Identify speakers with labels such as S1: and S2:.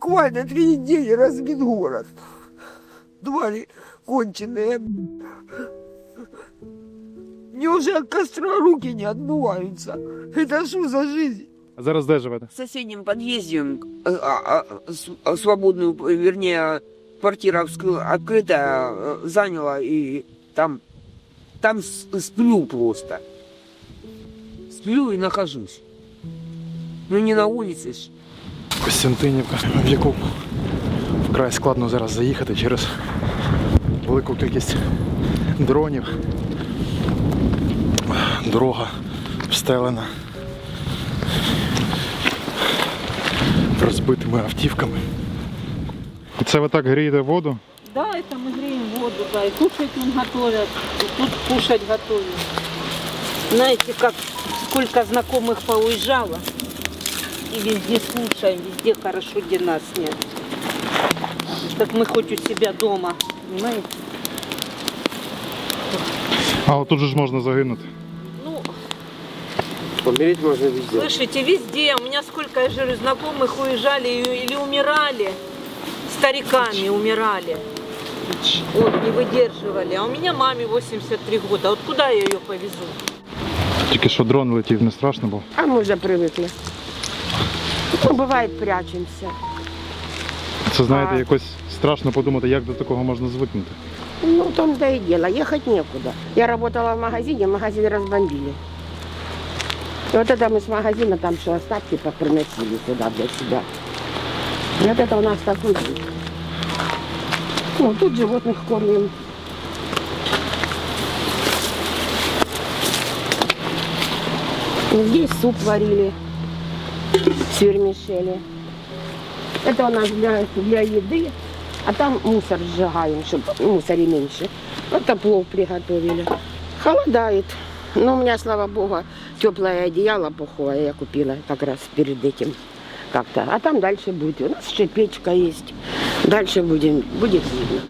S1: буквально 3 недели разбит город. Твари конченые. Мне уже от костра руки не отмываются. Это что за жизнь?
S2: А зараз де живете?
S1: В соседнем подъезде свободную, вернее, квартира открытая заняла, и там сплю просто. Сплю и нахожусь. Ну не на улице ж.
S2: Костянтинівка, в яку вкрай складно зараз заїхати через велику кількість дронів. Дорога встелена розбитими автівками. Це ви так грієте воду?
S3: Да, это мы греем воду, да, и кушать нам готовят, и тут кушать готовим. Знаете, как сколько знакомых поуезжало, и везде слушаем, везде хорошо, где нас нет. Так мы хоть у себя дома, понимаете?
S2: А от тут же ж можна загинути.
S3: Ну,
S1: Помереть можно везде.
S3: слышите, везде, у меня сколько, я же говорю, знакомых уезжали или умирали, стариками умирали. Вот, не выдерживали. А у меня маме 83 года. Вот куда я ее повезу?
S2: Тільки що дрон летів, не страшно було?
S4: А мы уже привыкли. Ну, бывает, прячемся.
S2: Це, знаєте, якось страшно подумати, як до такого можна звикнути.
S4: Ну, в том-то и дело, ехать некуда. Я работала в магазин разбомбили. И вот это мы с магазина, там что остатки поприносили сюда для себя. И вот это у нас такой вид. Ну, тут животных кормим. Здесь суп варили с вермишели. Это у нас для еды, а там мусор сжигаем, чтобы мусора меньше. Это плов приготовили. Холодает. Но у меня, слава богу, теплое одеяло пуховое я купила как раз перед этим как-то. А там дальше будет. У нас еще печка есть. Дальше будет видно.